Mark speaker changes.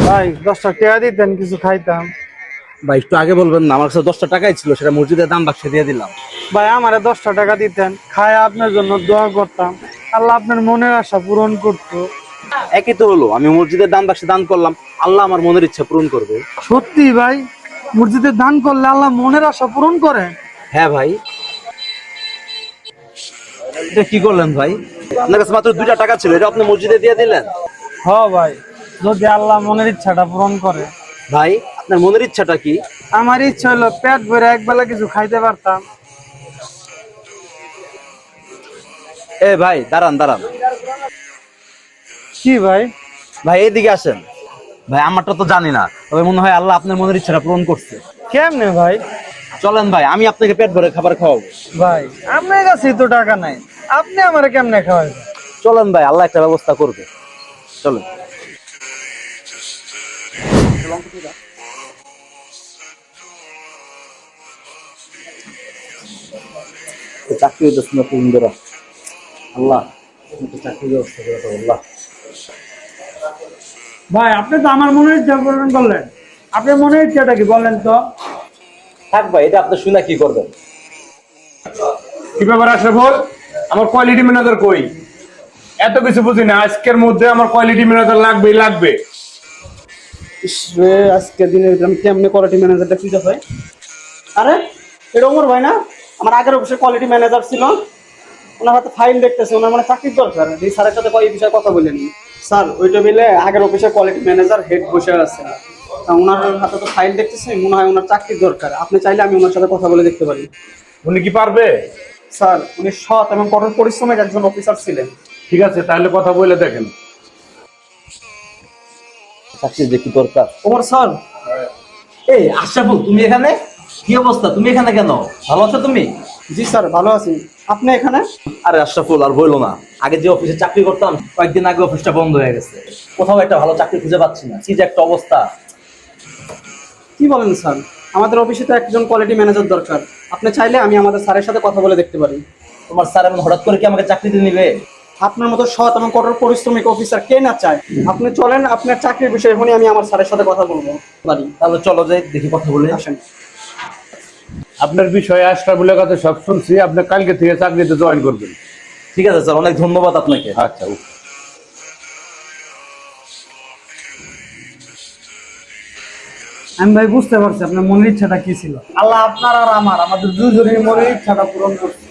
Speaker 1: ভাই 10টা টাকা দিতেন, কিছু খাইতাম।
Speaker 2: ভাই একটু আগে বলবেন না, আমার কাছে 10টা টাকাই ছিল, সেটা মসজিদের দান বাক্সে দিয়ে দিলাম।
Speaker 1: ভাই আমারে 10টা টাকা দিতেন, খায় আপনার জন্য দোয়া করতাম, আল্লাহ আপনার মনের আশা পূরণ করতো।
Speaker 2: একই তো হলো, আমি মসজিদের দান বাক্সে দান করলাম, আল্লাহ আমার মনের ইচ্ছা পূরণ করবে।
Speaker 1: সত্যি ভাই, মসজিদে দান করলে আল্লাহ মনের আশা পূরণ করে?
Speaker 2: হ্যাঁ ভাই। এটা কি করলেন ভাই? আপনার কাছে মাত্র 2টা টাকা ছিল, এটা আপনি মসজিদে দিয়ে দিলেন।
Speaker 1: হ ভাই, যদি আল্লাহ মনের ইচ্ছাটা পূরণ করে।
Speaker 2: ভাই আপনার মনের ইচ্ছাটা কি?
Speaker 1: আমার ইচ্ছা হলো পেট ভরে একবেলা কিছু খাইতে পারতাম।
Speaker 2: এ ভাই দাঁড়ান দাঁড়ান।
Speaker 1: কি ভাই?
Speaker 2: ভাই এইদিকে আসেন। ভাই আমারটা তো জানি না, তবে মনে হয় আল্লাহ আপনার মনের ইচ্ছাটা পূরণ করছে।
Speaker 1: কেমনে ভাই?
Speaker 2: চলেন ভাই, আমি আপনাকে পেট ভরে খাবার খাওয়াবো।
Speaker 1: ভাই আপনার কাছে তো টাকা নাই, আপনি আমারে কেমনে খাওয়াবেন?
Speaker 2: চলেন ভাই, আল্লাহ একটা ব্যবস্থা করবে। চলেন। চাকরি হইতেছে না তিন ধরা, আল্লাহ চাকরির ব্যবস্থা করে দাও আল্লাহ।
Speaker 1: ভাই আপনি তো আমার মনের ইচ্ছা পূরণ করলেন, আপনার মনের ইচ্ছাটা কি বলেন তো?
Speaker 2: থাক ভাই, এটা আপনি শুনে কি করবেন?
Speaker 3: কি ব্যাপার আশরাফুল, আমার কোয়ালিটি ম্যানেজার কই? এত কিছু বুঝি না, আজকের মধ্যে আমার কোয়ালিটি ম্যানেজার লাগবেই লাগবে।
Speaker 4: আজকে দিনের আমি কেমনে কোয়ালিটি ম্যানেজারটা খুঁজে পাই? আরে এটা ওমর ভাই না? আমার আগের অফিসে কোয়ালিটি ম্যানেজার ছিল। ওনার হাতে ফাইল দেখতেছে, ওনার মানে চাকরির দরকার। এই স্যারের সাথে এই বিষয়ে কথা বলেন। স্যার ওই টেবিলে আগের অফিসে কোয়ালিটি ম্যানেজার হেড বসে আছে। তা ওনার হাতে তো ফাইল দেখতেছে, মনে হয় ওনার চাকরির দরকার। আপনি চাইলে আমি ওনার সাথে কথা বলে দেখতে পারি।
Speaker 3: উনি কি পারবে?
Speaker 4: স্যার উনি সৎ এবং কঠোর পরিশ্রমের একজন অফিসার ছিলেন।
Speaker 3: ঠিক আছে, তাহলে কথা বলে দেখেন।
Speaker 2: চাকরির যে কি দরকার।
Speaker 4: ওমর স্যার,
Speaker 2: এই আশরাফুল, তুমি এখানে? কি অবস্থা, তুমি এখানে কেন? ভালো আছো তুমি?
Speaker 4: জি স্যার ভালো আছি। আপনি এখানে?
Speaker 2: আরে আশরাফুল আর বললো না, আগে যে অফিসে চাকরি করতাম কয়েকদিন আগে অফিসটা বন্ধ হয়ে গেছে, কোথাও একটা ভালো চাকরি খুঁজে পাচ্ছি না, কি যে একটা অবস্থা।
Speaker 4: কি বলেন স্যার? আমাদের অফিসে তো একজন কোয়ালিটি ম্যানেজার দরকার। আপনি চাইলে আমি আমাদের স্যারের সাথে কথা বলে দেখতে পারি।
Speaker 2: তোমার স্যার এমন হঠাৎ করে কি আমাকে চাকরিতে নিবে?
Speaker 4: আপনার মতো সৎ এবং কঠোর পরিশ্রমিক অফিসার কে না চায়? আপনি চলেন, আপনার চাকরির বিষয়ে এখনই আমি আমার স্যারের সাথে কথা বলবো পারি।
Speaker 2: তাহলে চলো যাই, দেখি কথা বলে
Speaker 4: আসেন।
Speaker 3: আপনার বিষয়ে আশরাফুলের কাছে সব শুনছি, আপনি কালকে থেকে চাকরিতে জয়েন করবেন।
Speaker 2: ঠিক আছে স্যার, অনেক ধন্যবাদ আপনাকে।
Speaker 3: আচ্ছা।
Speaker 1: আমি ভাই বুঝতে পারছি আপনার মনের ইচ্ছাটা কি ছিল। আল্লাহ আপনার আর আমাদের দুজনের মনের ইচ্ছাটা পূরণ করছে।